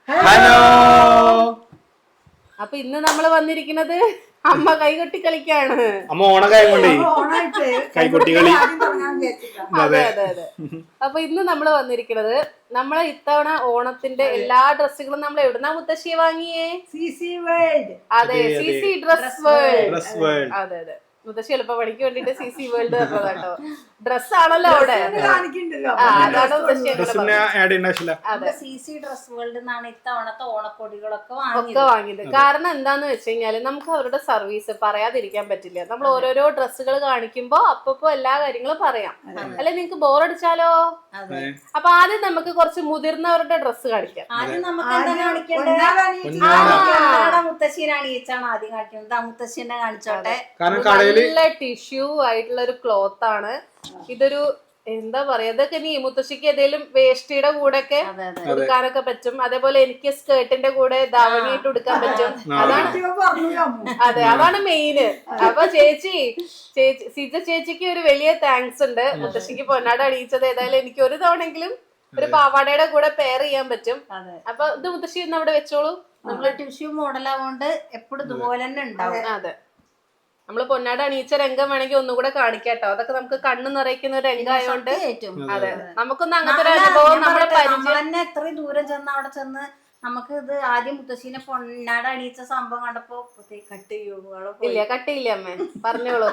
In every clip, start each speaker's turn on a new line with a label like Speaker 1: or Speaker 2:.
Speaker 1: Hello.
Speaker 2: അപ്പൊ ഇന്ന് നമ്മള് വന്നിരിക്കുന്നത് അമ്മ കൈകൊട്ടി കളിക്കാണ്.
Speaker 1: അമ്മ ഓണക്കായം കൊണ്ടേ കൈകൊട്ടി കളി.
Speaker 2: അതെ അതെ അതെ. അപ്പൊ ഇന്ന് നമ്മള് വന്നിരിക്കുന്നത് നമ്മളെ ഇത്തവണ ഓണത്തിന്റെ എല്ലാ ഡ്രസ്സുകളും നമ്മൾ എവിടുന്നാ മുത്തശ്ശിയെ വാങ്ങിയേ?
Speaker 3: CC world.
Speaker 2: അതെ, സിസി ഡ്രസ് വേൾഡ്. അതെ അതെ, മുത്തശ്ശി എളുപ്പപ്പണിക്ക് വേണ്ടിട്ട് സിസി വേൾഡ് പറഞ്ഞതാട്ടോ. ഡ്രസ് ആണല്ലോ അവിടെ. അതാണ് മുത്തശ്ശി
Speaker 4: സിസി ഡ്രസ് വേൾഡ് എന്നാണ് ഇത്തവണത്തെ ഓണക്കൊടികളൊക്കെ
Speaker 2: വാങ്ങിയത്. കാരണം എന്താന്ന് വെച്ച് കഴിഞ്ഞാല് നമുക്ക് അവരുടെ സർവീസ് പറയാതിരിക്കാൻ പറ്റില്ല. നമ്മൾ ഓരോരോ ഡ്രസ്സുകൾ കാണിക്കുമ്പോ അപ്പൊ എല്ലാ കാര്യങ്ങളും പറയാം. അല്ലെ നിങ്ങക്ക് ബോറടിച്ചാലോ? അപ്പൊ ആദ്യം നമുക്ക് കുറച്ച് മുതിർന്നവരുടെ ഡ്രസ്സ് കാണിക്കാം.
Speaker 4: ആദ്യം നമുക്ക് എന്താ കാണിക്കേണ്ടത്? മുത്തശ്ശീനാണ് ഈച്ചാണ് ആദ്യം കാണിക്കുന്നത്. മുത്തശ്ശീനെ കാണിച്ചോട്ടെ.
Speaker 2: നല്ല ടിഷ്യൂ ആയിട്ടുള്ള ഒരു ക്ലോത്ത് ആണ് ഇതൊരു. എന്താ പറയാ, ഇതൊക്കെ നീ മുത്തശ്ശിക്ക് ഏതെങ്കിലും വേഷ്ടിയുടെ കൂടെ ഒക്കെ ഉടുക്കാനൊക്കെ പറ്റും. അതേപോലെ എനിക്ക് സ്കേർട്ടിന്റെ കൂടെ ധാവണിയായിട്ട് ഉടുക്കാൻ പറ്റും. അതെ, അതാണ് മെയിന്. അപ്പൊ സിജ ചേച്ചിക്ക് ഒരു വലിയ താങ്ക്സ് ഉണ്ട്. മുത്തശ്ശിക്ക് പൊന്നാട അണിയിച്ചത് ഏതായാലും എനിക്ക് ഒരു തവണെങ്കിലും ഒരു പാവാടയുടെ കൂടെ പെയർ ചെയ്യാൻ പറ്റും. അപ്പൊ ഇത് മുത്തശ്ശി ഇന്ന് അവിടെ വെച്ചോളൂ.
Speaker 4: നമ്മള് ടിഷ്യൂ മോഡലാവുകൊണ്ട് എപ്പോഴും ഇതുപോലെ തന്നെ ഉണ്ടാവും.
Speaker 2: അതെ, നമ്മള് പൊന്നാട അണിയിച്ച രംഗം വേണമെങ്കിൽ ഒന്നുകൂടെ കാണിക്കാട്ടോ. അതൊക്കെ നമുക്ക് കണ്ണു നിറയ്ക്കുന്ന ഒരു രംഗമായോണ്ട്. അതെ, നമുക്കൊന്നും അങ്ങനത്തെ ഒരു അനുഭവം നമ്മുടെ
Speaker 4: തന്നെ എത്രയും ദൂരം ചെന്ന് അവിടെ ചെന്ന് നമുക്ക് ഇത് ആദ്യം മുത്തശ്ശീനെ പൊന്നാട അണിയിച്ച സംഭവം കണ്ടപ്പോ കട്ട്
Speaker 2: ഇല്ല, കട്ടിയില്ല അമ്മേ, പറഞ്ഞോളൂ.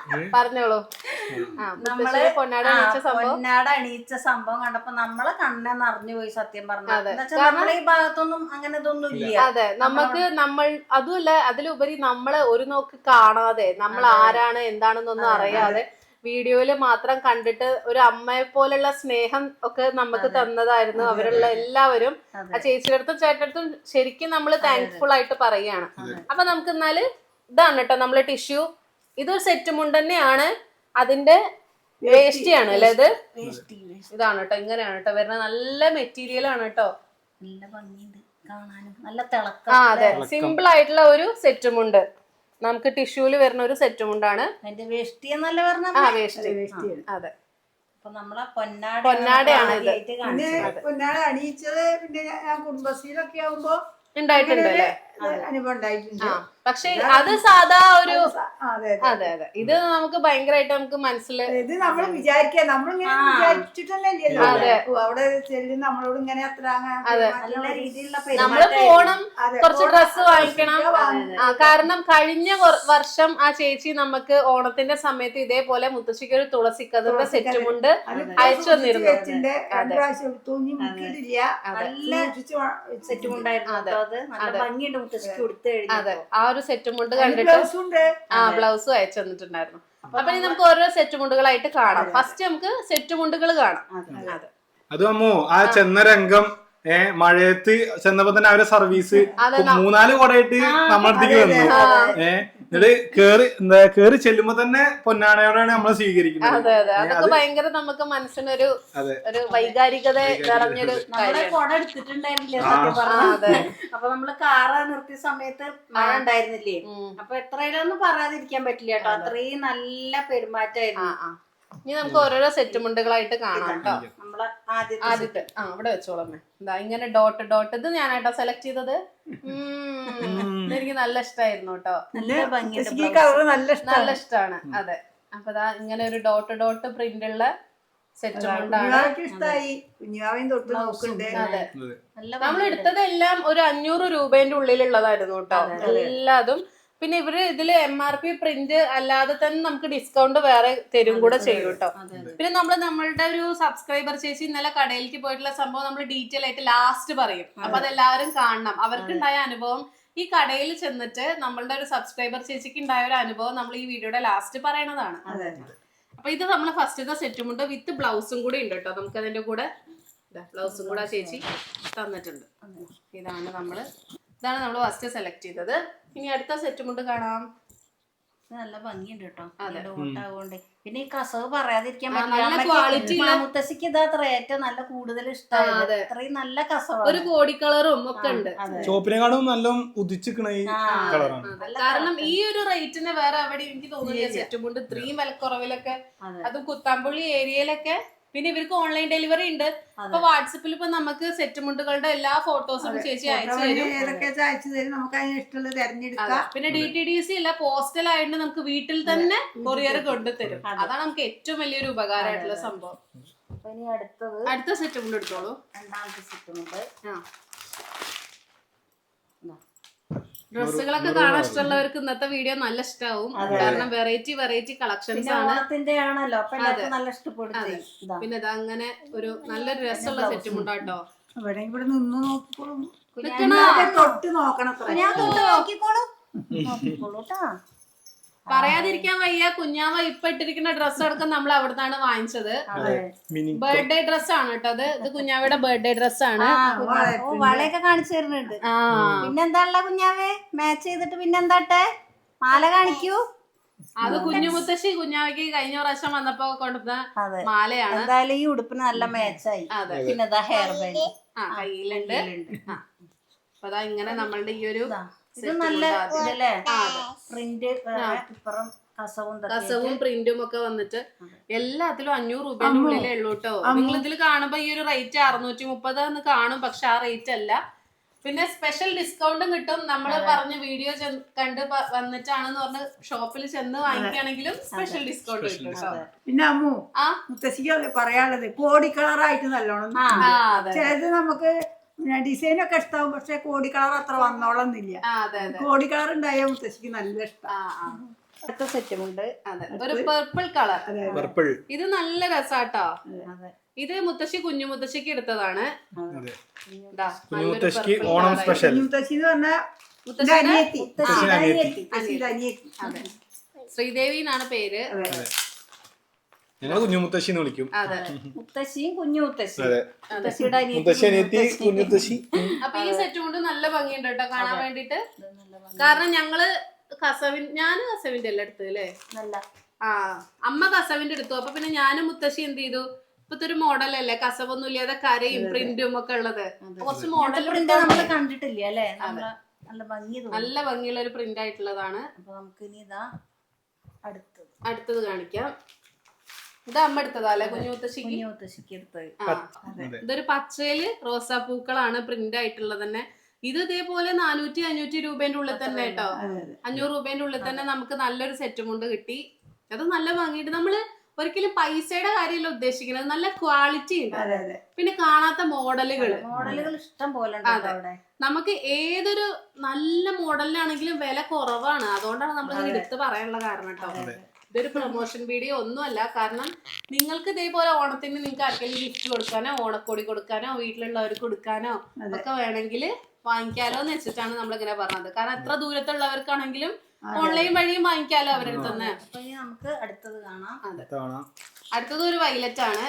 Speaker 2: നമ്മള് പൊന്നാട
Speaker 4: അണിയിച്ച സംഭവം കണ്ടപ്പോ നമ്മളെ കണ്ണെ നിറഞ്ഞു പോയി. സത്യം പറഞ്ഞത് നമ്മളെ ഈ ഭാഗത്തൊന്നും അങ്ങനെ ഇതൊന്നും ഇല്ല.
Speaker 2: അതെ, നമ്മൾ അതുമല്ല, അതിലുപരി നമ്മള് ഒരു നോക്ക് കാണാതെ, നമ്മൾ ആരാണ് എന്താണെന്നൊന്നും അറിയാതെ വീഡിയോയില് മാത്രം കണ്ടിട്ട് ഒരു അമ്മയെ പോലുള്ള സ്നേഹം ഒക്കെ നമുക്ക് തന്നതായിരുന്നു അവരുള്ള എല്ലാവരും. ആ ചേച്ചിയുടെ അടുത്തും ചേട്ടടുത്തും ശരിക്കും നമ്മള് താങ്ക്ഫുൾ ആയിട്ട് പറയുകയാണ്. അപ്പൊ നമുക്ക് എന്നാല് ഇതാണ് കേട്ടോ നമ്മള് ടിഷ്യൂ. ഇതൊരു സെറ്റ് മുണ്ട് തന്നെയാണ്. അതിന്റെ വേഷ്ടിയാണ് അല്ലെ ഇത്? ഇതാണ് കേട്ടോ, ഇങ്ങനെയാണ് കേട്ടോ വരുന്നത്. നല്ല മെറ്റീരിയൽ ആണ് കേട്ടോ.
Speaker 4: നല്ല ഭംഗിയുണ്ട് കാണാനും, നല്ല തിളക്കം.
Speaker 2: അതെ, സിമ്പിൾ ആയിട്ടുള്ള ഒരു സെറ്റ് മുണ്ട്. നമുക്ക് ടിഷ്യൂല് വരുന്ന ഒരു സെറ്റ് മുണ്ടാണ്.
Speaker 4: അതിന്റെ വേഷ്ടി എന്നല്ല പറഞ്ഞ
Speaker 2: വേഷ്ടി. അതെ,
Speaker 4: അപ്പൊ നമ്മളെ
Speaker 2: പൊന്നാടയാണ് ഇത്.
Speaker 3: പൊന്നാട അണിയിച്ചത് പിന്നെ ഞാൻ കുടുംബശ്രീയിലൊക്കെ ആവുമ്പോ
Speaker 2: ഉണ്ടായിട്ടുണ്ട് അല്ലേ?
Speaker 3: അനുഭവം ഉണ്ടായിട്ടുണ്ട്.
Speaker 2: പക്ഷെ അത് സാധാ ഒരു. അതെ അതെ, ഇത് നമുക്ക് ഭയങ്കരമായിട്ട് നമുക്ക് മനസ്സിലായി.
Speaker 3: ഇത് നമ്മൾ വിചാരിക്കുക, നമ്മളിങ്ങനെ വിചാരിച്ചിട്ടല്ലോ അവിടെ ചെല്ലും നമ്മളോട് ഇങ്ങനെ അത്ര
Speaker 4: നല്ല രീതിയിലുള്ള
Speaker 2: നമ്മള് പോണം, കുറച്ച് ഡ്രസ്സ് വാങ്ങിക്കണം. കാരണം കഴിഞ്ഞ വർഷം ആ ചേച്ചി നമുക്ക് ഓണത്തിന്റെ സമയത്ത് ഇതേപോലെ മുത്തശ്ശിക്ക് ഒരു തുളസിക്കതിന്റെ സെറ്റും കൊണ്ട് അയച്ചു തന്നിരുന്നു. അതെ, ആ ഒരു സെറ്റ് മുണ്ട് കണ്ടിട്ട് ബ്ലൗസും അയച്ചു തന്നിട്ടുണ്ടായിരുന്നു. അപ്പൊ ഇനി നമുക്ക് ഓരോ സെറ്റ് മുണ്ടുകളായിട്ട് കാണാം. ഫസ്റ്റ് നമുക്ക് സെറ്റ് മുണ്ടുകൾ കാണാം. അതെ,
Speaker 1: അത് അമ്മോ ആ ചെന്ന രംഗം മഴയത്ത് ചെന്നപ്പോ തന്നെ അവരെ സർവീസ് 3-4 കൊടയായിട്ട് നമ്മളടുത്തേക്ക് വന്നു. എന്നിട്ട് കേറി ചെല്ലുമ്പോ തന്നെ പൊന്നാടയോടെയാണ് നമ്മളെ സ്വീകരിക്കുന്നത്.
Speaker 2: അതെ അതെ, അതൊക്കെ ഭയങ്കര നമുക്ക് മനസ്സിനൊരു ഒരു വൈകാരികത നിറഞ്ഞൊരു
Speaker 4: കൊട എടുത്തിട്ടുണ്ടായിരുന്നില്ലേ സത്യം പറഞ്ഞത്. അപ്പൊ നമ്മള് കാറ് നിർത്തിയ സമയത്ത് മഴ ഉണ്ടായിരുന്നില്ലേ? അപ്പൊ എത്രയിലൊന്നും പറയാതിരിക്കാൻ പറ്റില്ല കേട്ടോ, അത്രയും നല്ല പെരുമാറ്റമായിരുന്നു.
Speaker 2: ഇനി നമുക്ക് ഓരോരോ സെറ്റ് മുണ്ടുകളായിട്ട് കാണാം കേട്ടോ.
Speaker 4: നമ്മളെ
Speaker 2: ആദ്യത്തെ ഇവിടെ വെച്ചോളമ്മേ. എന്താ ഇങ്ങനെ ഡോട്ട് ഡോട്ട്, ഇത് ഞാനായിട്ടോ സെലക്ട് ചെയ്തത്. എനിക്ക് നല്ല ഇഷ്ടമായിരുന്നു കേട്ടോ. നല്ല ഇഷ്ടമാണ്. അതെ, അപ്പൊ ഇങ്ങനെ ഒരു ഡോട്ട് ഡോട്ട് പ്രിന്റ് ഉള്ള സെറ്റ് മുണ്ടാണ്. അതെ, നമ്മൾ എടുത്തതെല്ലാം ഒരു 500 രൂപേന്റെ ഉള്ളിലുള്ളതായിരുന്നു കേട്ടോ എല്ലാതും. പിന്നെ ഇവര് ഇതില് MRP പ്രിന്റ് അല്ലാതെ തന്നെ നമുക്ക് ഡിസ്കൗണ്ട് വേറെ തരും കൂടെ ചെയ്യും കേട്ടോ. പിന്നെ നമ്മളുടെ ഒരു സബ്സ്ക്രൈബർ ചേച്ചി ഇന്നലെ കടയിലേക്ക് പോയിട്ടുള്ള സംഭവം നമ്മൾ ഡീറ്റെയിൽ ആയിട്ട് ലാസ്റ്റ് പറയും. അപ്പൊ അതെല്ലാവരും കാണണം. അവർക്കുണ്ടായ അനുഭവം ഈ കടയിൽ ചെന്നിട്ട് നമ്മളുടെ ഒരു സബ്സ്ക്രൈബർ ചേച്ചിക്ക് ഉണ്ടായ ഒരു അനുഭവം നമ്മൾ ഈ വീഡിയോയുടെ ലാസ്റ്റ് പറയണതാണ്. അപ്പൊ ഇത് നമ്മള് ഫസ്റ്റ് സെറ്റും ഉണ്ട് വിത്ത് ബ്ലൗസും കൂടെ ഉണ്ട് കേട്ടോ. നമുക്ക് അതിന്റെ കൂടെ ബ്ലൗസും കൂടെ ചേച്ചി തന്നിട്ടുണ്ട്. ഇതാണ് നമ്മൾ ഫസ്റ്റ് സെലക്ട് ചെയ്തത്. ഇനി അടുത്ത സെറ്റ് മുണ്ട് കാണാം.
Speaker 4: നല്ല ഭംഗിയുണ്ട് കേട്ടോ. ഡോട്ടാകൊണ്ട് പിന്നെ ഈ കസവ് പറയാതിരിക്കാൻ പറ്റില്ല. മുത്തശ്ശിക്ക് ഇതാ ഏറ്റവും നല്ല കൂടുതൽ ഇഷ്ടമാണ്. അത്രയും നല്ല കസവ്,
Speaker 2: ഒരു കോടി കളറും ഒക്കെ ഉണ്ട്.
Speaker 1: ചോപ്പിനെക്കാളും നല്ല ഉദിച്ചിക്കണ ഈ കളറാണ്.
Speaker 2: കാരണം ഈ ഒരു റേറ്റിന് വേറെ എവിടെ എനിക്ക് തോന്നുന്നില്ല സെറ്റ് മുണ്ട് ഇത്രയും വിലക്കുറവിലൊക്കെ. അത് കുത്താമ്പുള്ളി ഏരിയയിലൊക്കെ പിന്നെ ഇവർക്ക് ഓൺലൈൻ ഡെലിവറി ഉണ്ട്. അപ്പൊ വാട്സപ്പിൽ ഇപ്പൊ നമുക്ക് സെറ്റ് മുണ്ടുകളുടെ എല്ലാ ഫോട്ടോസും ചേച്ചി അയച്ചു തരും.
Speaker 3: ഏതൊക്കെ അയച്ചു തരും, നമുക്ക് അതിന് ഇഷ്ടമുള്ളത് തെരഞ്ഞെടുക്കാം.
Speaker 2: പിന്നെ DTDC അല്ല, പോസ്റ്റൽ ആയിട്ട് നമുക്ക് വീട്ടിൽ തന്നെ കൊറിയർ കൊണ്ടുതരും. അതാണ് നമുക്ക് ഏറ്റവും വലിയൊരു ഉപകാരമായിട്ടുള്ള സംഭവം.
Speaker 4: ഇനി
Speaker 2: അടുത്ത സെറ്റ് മുണ്ട് എടുത്തോളൂ.
Speaker 4: രണ്ടാമത്തെ സെറ്റ് മുണ്ട്.
Speaker 2: ഡ്രസ്സുകളൊക്കെ കാണാൻ ഇഷ്ടമുള്ളവർക്ക് ഇന്നത്തെ വീഡിയോ നല്ല ഇഷ്ടാവും. കാരണം വെറൈറ്റി കളക്ഷൻസ് ആണ്.
Speaker 4: ഓണത്തിന്റെ ആണല്ലോ, അപ്പൊ എല്ലാവർക്കും നല്ല ഇഷ്ടപ്പെടും.
Speaker 2: പിന്നെ ഇത് അങ്ങനെ ഒരു നല്ലൊരു രസമുള്ള സെറ്റ് മുണ്ടാട്ടോ.
Speaker 3: ഇവിടെ നിന്ന് നോക്കിക്കോളും,
Speaker 2: നിക്കണോ?
Speaker 3: തൊട്ട് നോക്കണം.
Speaker 2: പറയാതിരിക്കാൻ വയ്യ, കുഞ്ഞാവ ഇപ്പൊ ഇട്ടിരിക്കുന്ന ഡ്രസ്സ് അടക്കം നമ്മൾ അവിടുന്നാണ് വാങ്ങിച്ചത്. ബർത്ത്ഡേ ഡ്രസ് ആണ് കേട്ടോ അത്. ഇത് കുഞ്ഞാവയുടെ ബർത്ത്ഡേ ഡ്രസ് ആണ്.
Speaker 4: വളയൊക്കെ കാണിച്ചു തരുന്നുണ്ട്. പിന്നെന്താ കുഞ്ഞാവേ മാച്ച് ചെയ്തിട്ട് പിന്നെന്താട്ടെ മാല കാണിക്കൂ.
Speaker 2: അത് കുഞ്ഞുമുത്തശ്ശി കുഞ്ഞാവയ്ക്ക് കഴിഞ്ഞ പ്രാവശ്യം വന്നപ്പോ കൊണ്ടുവന്ന മാലയാണ്.
Speaker 4: എന്തായാലും ഈ ഉടുപ്പിന് നല്ല മാച്ചായി. പിന്നെ ഹെയർ ബാൻഡ്
Speaker 2: കയ്യിലുണ്ട്. അപ്പൊ അതാ ഇങ്ങനെ നമ്മളുടെ ഈ ഒരു
Speaker 4: ഇത് നല്ല ഇതല്ലേ, പ്രിന്റ്
Speaker 2: കസവും പ്രിന്റും ഒക്കെ വന്നിട്ട് എല്ലാത്തിലും 500 രൂപയുടെ ഉള്ളിലേ ഉള്ളൂ കേട്ടോ. നിങ്ങൾ ഇതിൽ കാണുമ്പോ ഈ ഒരു റേറ്റ് 630 എന്ന് കാണും, പക്ഷെ ആ റേറ്റ് അല്ല. പിന്നെ സ്പെഷ്യൽ ഡിസ്കൗണ്ടും കിട്ടും. നമ്മൾ പറഞ്ഞ വീഡിയോ കണ്ട് വന്നിട്ടാണെന്ന് പറഞ്ഞ് ഷോപ്പിൽ ചെന്ന് വാങ്ങിക്കുകയാണെങ്കിലും സ്പെഷ്യൽ ഡിസ്കൗണ്ട് കിട്ടും കേട്ടോ.
Speaker 3: പിന്നെ അമ്മു മുത്തശ്ശിക്ക് പറയാനുള്ളത് കോടി കളറായിട്ട് നല്ലോണം. ചിലത് നമുക്ക് ഡിസൈനൊക്കെ ഇഷ്ടാവും, പക്ഷെ കോടി കളർ അത്ര വന്നോളന്നില്ല. കോടി കളർ ഉണ്ടായ മുത്തശ്ശിക്ക് നല്ല ഇഷ്ടം.
Speaker 4: അടുത്ത സെറ്റും ഉണ്ട്.
Speaker 2: ഒരു പർപ്പിൾ കളർ. ഇത് നല്ല രസാട്ടോ. ഇത് മുത്തശ്ശി കുഞ്ഞു മുത്തശ്ശിക്ക് എടുത്തതാണ്.
Speaker 1: ഓണം സ്പെഷ്യൽ.
Speaker 3: മുത്തശ്ശി എന്ന് പറഞ്ഞ
Speaker 2: ശ്രീദേവി എന്നാണ് പേര്.
Speaker 1: ഞങ്ങൾ കുഞ്ഞു മുത്തശ്ശി എന്ന് വിളിക്കും.
Speaker 4: മുത്തശ്ശിയും കുഞ്ഞു മുത്തശ്ശി.
Speaker 2: അപ്പൊ ഈ സെറ്റ് കൊണ്ട് നല്ല ഭംഗിയുണ്ട് കേട്ടോ കാണാൻ വേണ്ടിട്ട്. കാരണം ഞങ്ങള് ഞാന് കസവിന്റെ എല്ലാം എടുത്തു അല്ലേ. അമ്മ കസവിന്റെ എടുത്തു. അപ്പൊ പിന്നെ ഞാനും മുത്തശ്ശി എന്ത് ചെയ്തു, ഇപ്പത്തെ ഒരു മോഡലല്ലേ കസവൊന്നും ഇല്ലാതെ കരയും പ്രിന്റും ഒക്കെ ഉള്ളത്. കുറച്ച് മോഡൽ
Speaker 4: നമ്മള് കണ്ടിട്ടില്ല അല്ലേ.
Speaker 2: നല്ല ഭംഗിയുള്ള ഒരു പ്രിന്റ് ആയിട്ടുള്ളതാണ്.
Speaker 4: അപ്പൊ നമുക്ക് ഇനി ഇതാ
Speaker 2: അടുത്തത് കാണിക്കാം. ഇത് അമ്മ എടുത്തതാ അല്ലെ കുഞ്ഞു മുത്തശ്ശിക്ക്
Speaker 4: എടുത്തത്.
Speaker 2: ഇതൊരു പച്ചയില് റോസാപ്പൂക്കളാണ് പ്രിന്റ് ആയിട്ടുള്ളത് തന്നെ. ഇത് ഇതേപോലെ 400-500 രൂപേന്റെ ഉള്ളിൽ തന്നെ കേട്ടോ. 500 രൂപേന്റെ ഉള്ളിൽ തന്നെ നമുക്ക് നല്ലൊരു സെറ്റും കൊണ്ട് കിട്ടി. അത് നല്ല ഭംഗിയിട്ട് നമ്മള് ഒരിക്കലും പൈസയുടെ കാര്യമല്ല ഉദ്ദേശിക്കുന്നത്, നല്ല ക്വാളിറ്റി ഉണ്ട്. പിന്നെ കാണാത്ത മോഡലുകൾ
Speaker 4: ഇഷ്ടം പോലെ.
Speaker 2: നമുക്ക് ഏതൊരു നല്ല മോഡലിനാണെങ്കിലും വില കുറവാണ്. അതുകൊണ്ടാണ് നമ്മൾ എടുത്ത് പറയാനുള്ള കാരണം കേട്ടോ. ഇതൊരു പ്രൊമോഷൻ വീഡിയോ ഒന്നുമല്ല. കാരണം നിങ്ങൾക്ക് ഇതേപോലെ ഓണത്തിന് നിങ്ങൾക്ക് ആർക്കെങ്കിലും ഗിഫ്റ്റ് കൊടുക്കാനോ ഓണക്കോടി കൊടുക്കാനോ വീട്ടിലുള്ളവർക്ക് കൊടുക്കാനോ ഒക്കെ വേണമെങ്കിൽ വാങ്ങിക്കാലോ എന്ന് വെച്ചിട്ടാണ് നമ്മളിങ്ങനെ പറഞ്ഞത്. കാരണം എത്ര ദൂരത്തുള്ളവർക്കാണെങ്കിലും ഓൺലൈൻ വഴിയും വാങ്ങിക്കാലോ അവരുടെ തന്നെ.
Speaker 4: നമുക്ക് അടുത്തത് കാണാം.
Speaker 2: അടുത്തത് ഒരു വൈലറ്റ് ആണ്.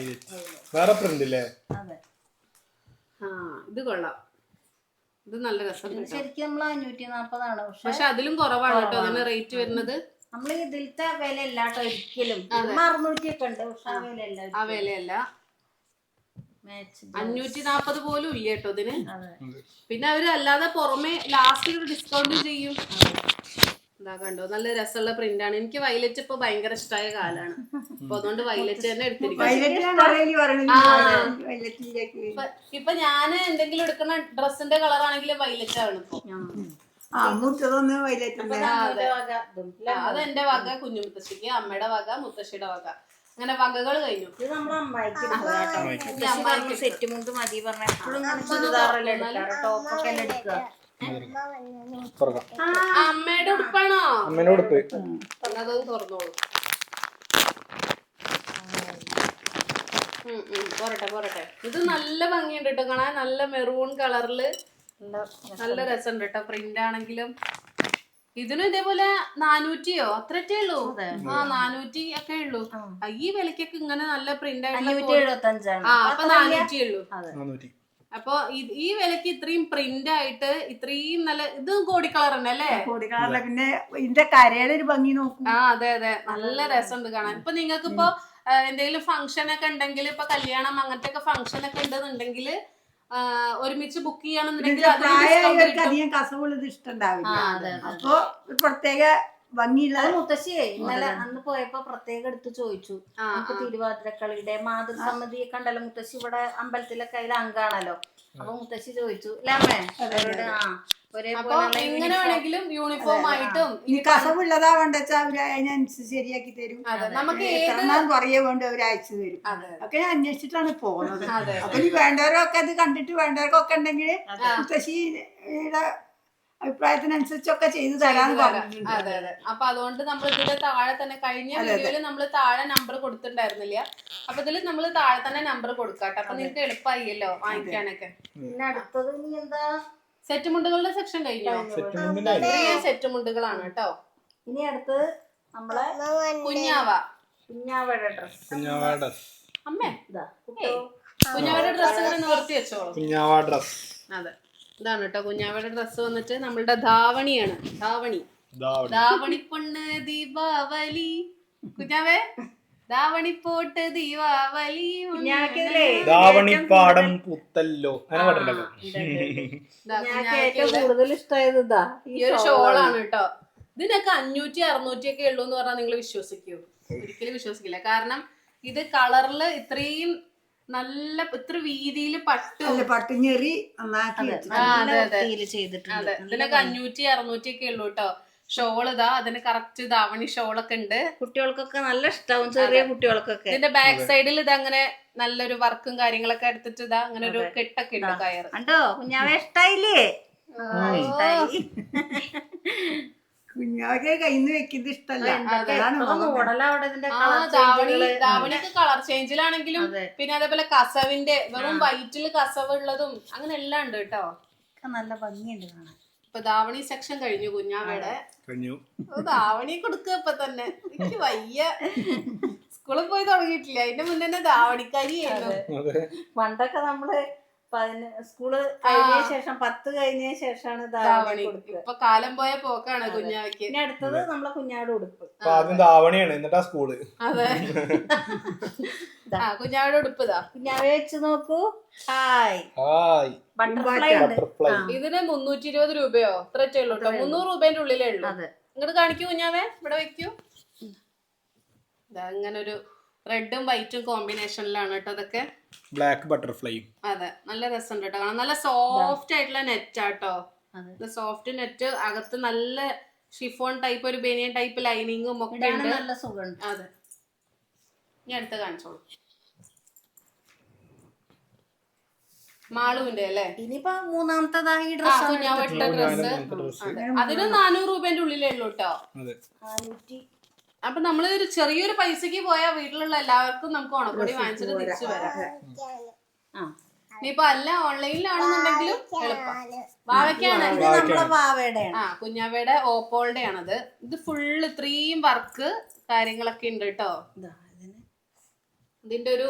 Speaker 2: ഇത് കൊള്ളാം. ഇത് നല്ല രസം.
Speaker 4: ശരിക്കും നമ്മൾ 540
Speaker 2: പക്ഷെ അതിലും കുറവാണ് കേട്ടോ അതിന് റേറ്റ് വരുന്നത്.
Speaker 4: നമ്മള് ഇതിലത്തെ വില അല്ലാട്ടോ ഒരിക്കലും. 600 ഒക്കെ ഉണ്ട്, പക്ഷെ
Speaker 2: ആ വിലയല്ല. 540 പോലും ഇല്ല കേട്ടോ ഇതിന്. പിന്നെ അവര് അല്ലാതെ പുറമെ ലാസ്റ്റ് ഒരു ഡിസ്കൗണ്ട് ചെയ്യും. എന്താ കണ്ടോ നല്ല രസമുള്ള പ്രിന്റ് ആണ്. എനിക്ക് വൈലറ്റ് ഇപ്പൊ ഭയങ്കര ഇഷ്ടമായ കാലാണ്. അപ്പൊ അതുകൊണ്ട് വൈലറ്റ് തന്നെ എടുത്തിരിക്കും. ഇപ്പൊ ഞാന് എന്തെങ്കിലും എടുക്കുന്ന ഡ്രസ്സിന്റെ കളർ ആണെങ്കിലും വൈലറ്റ് ആണ് ഇപ്പൊ. അത് എന്റെ വക കുഞ്ഞു മുത്തശ്ശിക്ക്, അമ്മയുടെ വക മുത്തശ്ശിയുടെ വക, അങ്ങനെ വകകൾ കഴിഞ്ഞു.
Speaker 4: ഇത് നമ്മളെ അമ്മായിക്ക് സെറ്റ് മുണ്ട് മതി പറഞ്ഞ എപ്പോഴും ചുരിദാറല്ലേ എടുക്കാറ്, ടോപ്പൊക്കെ എല്ലാം എടുക്കുക.
Speaker 2: അമ്മയുടെ ഉടുപ്പാണോ?
Speaker 1: അമ്മയുടെ ഉടുപ്പ്
Speaker 2: അതൊന്ന് തുറന്നോളൂ. പോരട്ടെ. ഇത് നല്ല ഭംഗിയുണ്ട് കേട്ടോ കാണാൻ. നല്ല മെറൂൺ കളറില് നല്ല രസമുണ്ട് കേട്ടോ. പ്രിന്റ് ആണെങ്കിലും ഇതിനും ഇതേപോലെ 400 അത്രേ ഉള്ളൂ. 400 ഒക്കെ ഉള്ളൂ. ഈ വിലക്കൊക്കെ ഇങ്ങനെ നല്ല പ്രിന്റ് ആയിട്ടുള്ള 400 ഉള്ളൂ. അപ്പൊ ഈ വിലക്ക് ഇത്രയും പ്രിന്റ് ആയിട്ട് ഇത്രയും നല്ല ഇത് കോടി കളർ തന്നെ അല്ലേ?
Speaker 3: കോടി കളറിലെ പിന്നെ ഇതിന്റെ കരയുടെ ഒരു ഭംഗി നോക്കും.
Speaker 2: അതെ നല്ല രസമുണ്ട് കാണാൻ. ഇപ്പൊ നിങ്ങൾക്ക് ഇപ്പൊ എന്തെങ്കിലും ഫംഗ്ഷൻ ഒക്കെ ഉണ്ടെങ്കിൽ, ഇപ്പൊ കല്യാണം അങ്ങനത്തെ ഒക്കെ ഫംഗ്ഷൻ ഒക്കെ ഉണ്ടെന്നുണ്ടെങ്കിൽ ഒരുമിച്ച് ബുക്ക് ചെയ്യണമെന്നുണ്ടെങ്കിൽ
Speaker 3: അധികം കസവുള്ളത് ഇഷ്ടണ്ടാവില്ല. അപ്പൊ പ്രത്യേക ഭംഗിയുള്ള
Speaker 4: മുത്തശ്ശിയെ ഇന്നലെ അന്ന് പോയപ്പോ പ്രത്യേകം എടുത്ത് ചോദിച്ചു നമുക്ക് തിരുവാതിരക്കളിയുടെ മാതൃസമിതി കണ്ടല്ലോ മുത്തശ്ശി ഇവിടെ അമ്പലത്തിലൊക്കെ അതിൽ അംഗാണല്ലോ അപ്പൊ മുത്തശ്ശി ചോദിച്ചു അല്ലേ അവരോട്
Speaker 2: എങ്ങനെ വേണമെങ്കിലും യൂണിഫോം ആയിട്ടും
Speaker 3: ഈ കസവുള്ളതാവണ്ട വെച്ചാൽ അവര് അതിനനുസരിച്ച് ശരിയാക്കി തരും.
Speaker 2: നമുക്ക്
Speaker 3: പറയേ വേണ്ട അവര് അയച്ചു തരും. ഒക്കെ ഞാൻ അന്വേഷിച്ചിട്ടാണ് പോകുന്നത്. അപ്പൊ ഈ വേണ്ടവരൊക്കെ അത് കണ്ടിട്ട് വേണ്ടവർക്കൊക്കെ ഉണ്ടെങ്കിൽ മുത്തശ്ശിയുടെ അഭിപ്രായത്തിനനുസരിച്ചൊക്കെ ചെയ്തു തരാന്ന് പറഞ്ഞിട്ടുണ്ട്.
Speaker 2: അതെ അതെ. അപ്പൊ അതുകൊണ്ട് നമ്മൾ ഇതിന്റെ താഴെ തന്നെ കഴിഞ്ഞ വീഡിയോയില് നമ്മൾ താഴെ നമ്പർ കൊടുത്തിട്ടുണ്ടായിരുന്നില്ല. അപ്പൊ ഇതില് നമ്മൾ താഴെ തന്നെ നമ്പർ കൊടുക്കാട്ടെ. അപ്പൊ നിങ്ങൾക്ക് എളുപ്പമായില്ലോ വാങ്ങിക്കാനൊക്കെ.
Speaker 4: പിന്നെ അടുത്തത് ഇനി എന്താ
Speaker 2: സെറ്റ് മുണ്ടുകളുടെ സെക്ഷൻ കഴിഞ്ഞോ? സെറ്റ് മുണ്ടുകളാണ് കേട്ടോ.
Speaker 4: ഇനി അടുത്ത് നമ്മളെ കുഞ്ഞാവയുടെ ഡ്രസ്.
Speaker 2: അമ്മേ കുഞ്ഞാവയുടെ ഡ്രസ് ഇങ്ങനെ നിവർത്തി വെച്ചോളൂ. അതെ ഇതാണ് കേട്ടോ കുഞ്ഞാവയുടെ ഡ്രസ് വന്നിട്ട് നമ്മളുടെ ധാവണിയാണ്. ധാവണി പൊണ്ണ് ദീപാവലി കുഞ്ഞാവേ ധാവണി പോട്ട് ദീപാവലി
Speaker 1: ധാവണിപ്പാടം പുത്തല്ലോ
Speaker 4: കൂടുതൽ ഇഷ്ടമായത് ഇതാ
Speaker 2: ഈ ഒരു ഷോളാണ് കേട്ടോ. ഇതിനൊക്കെ 500-600 ഒക്കെ ഉള്ളൂ എന്ന് പറഞ്ഞാൽ നിങ്ങൾ വിശ്വസിക്കൂ? ഒരിക്കലും വിശ്വസിക്കില്ല. കാരണം ഇത് കളറില് ഇത്രയും നല്ല ഇത്ര വീതിയില്
Speaker 3: പട്ടുഞ്ഞെറി
Speaker 4: ചെയ്തിട്ടുണ്ട്.
Speaker 2: അതെ ഇതിനൊക്കെ 500-600 ഒക്കെ ഉള്ളൂ കേട്ടോ. ഷോൾ ഇതാ അതിന് കറക്റ്റ് ധാവണി ഷോളൊക്കെ ഉണ്ട്.
Speaker 4: കുട്ടികൾക്കൊക്കെ നല്ല ഇഷ്ടാവും, ചെറിയ കുട്ടികൾക്കൊക്കെ.
Speaker 2: ഇതിന്റെ ബാക്ക് സൈഡിൽ ഇത് അങ്ങനെ നല്ലൊരു വർക്കും കാര്യങ്ങളൊക്കെ എടുത്തിട്ട് ഇതാ അങ്ങനെ ഒരു കെട്ടൊക്കെ ഉണ്ട് കയറ്.
Speaker 4: കണ്ടോ കുഞ്ഞാവെ ഇഷ്ടായില്ലേ?
Speaker 3: കുഞ്ഞാവെ കയ്യിന്ന് വെക്കുന്നത് ഇഷ്ടല്ല.
Speaker 2: ധാവണിക്ക് കളർ ചേഞ്ചിലാണെങ്കിലും പിന്നെ അതേപോലെ കസവിന്റെ വെറും വൈറ്റില് കസവ് ഉള്ളതും അങ്ങനെ എല്ലാം ഉണ്ട് കേട്ടോ.
Speaker 4: നല്ല ഭംഗിയുണ്ട് കാണാൻ.
Speaker 2: ഇപ്പൊ ധാവണി സെക്ഷൻ കഴിഞ്ഞു കുഞ്ഞാവയുടെ. ധാവണി കൊടുക്കുക ഇപ്പൊ തന്നെ. എനിക്ക് വയ്യ. സ്കൂളിൽ പോയി തുടങ്ങിയിട്ടില്ല. അതിന്റെ മുന്നേ തന്നെ ധാവണിക്കാരിയായിരുന്നു.
Speaker 4: പണ്ടൊക്കെ നമ്മള് സ്കൂള് കഴിഞ്ഞ ശേഷം 10 കഴിഞ്ഞ ശേഷമാണ് ധാവണി കൊടുക്കുക.
Speaker 2: ഇപ്പൊ കാലം പോയ പോക്കാണ് കുഞ്ഞാവയ്ക്ക്.
Speaker 4: പിന്നെ അടുത്തത് നമ്മളെ കുഞ്ഞാവിടെ ഉടുപ്പ്.
Speaker 1: ആദ്യം ധാവണിയാണ് എന്നിട്ടാ സ്കൂള്.
Speaker 2: അതെ കുഞ്ഞാവയുടെ ഉടുപ്പ് ഇതാ
Speaker 4: കുഞ്ഞാവെ വെച്ച് നോക്കൂ. ഹായ്
Speaker 2: ബട്ടർഫ്ലൈ ഉണ്ട്. ഇതിന് 320 രൂപയോ ഇത്രേ ഉള്ളൂ കേട്ടോ. 300 രൂപേന്റെ ഉള്ളിലേ ഉള്ളൂ. ഇങ്ങോട്ട് കാണിക്കൂ കുഞ്ഞാവേ. ഇവിടെ വെക്കൂ. അങ്ങനെ ഒരു റെഡും വൈറ്റും കോമ്പിനേഷനിലാണ് കേട്ടോ അതൊക്കെ.
Speaker 1: Black butterfly.
Speaker 2: അതെ നല്ല രസമുണ്ട് കേട്ടോ. നല്ല സോഫ്റ്റ് ആയിട്ടുള്ള നെറ്റ് ആട്ടോ. സോഫ്റ്റ് നെറ്റ് അകത്ത് നല്ല ഷിഫോൺ ടൈപ്പ് ഒരു ബനിയൻ ടൈപ്പ് ലൈനിങ്ങും ഒക്കെ ഉണ്ട്.
Speaker 4: നല്ല സുഖമുണ്ട്.
Speaker 2: അതെ ഞാൻ അടുത്ത് കാണിച്ചോളൂ. മാളുവിന്റെ അല്ലേ?
Speaker 4: ഇനിയിപ്പോ മൂന്നാമത്തേതായി ഡ്രസ്
Speaker 2: കുഞ്ഞാവട്ട ഡ്രസ്. അതിന് 400 രൂപേന്റെ ഉള്ളിലേ ഉള്ളൂ കേട്ടോ. അപ്പൊ നമ്മള് ഒരു ചെറിയൊരു പൈസക്ക് പോയാൽ വീട്ടിലുള്ള എല്ലാവർക്കും നമുക്ക് ഓണക്കോടി വാങ്ങിച്ചിട്ട് തിരിച്ചു വരാം. ഇനിയിപ്പൊ അല്ല ഓൺലൈനിലാണെന്നുണ്ടെങ്കിലും എളുപ്പം. വാവയ്ക്കാണ് കുഞ്ഞാവയുടെ ഓപ്പോളുടെ ആണത്. ഇത് ഫുള്ള് ഇത്രയും വർക്ക് കാര്യങ്ങളൊക്കെ ഉണ്ട് കേട്ടോ. ഇതിന്റെ ഒരു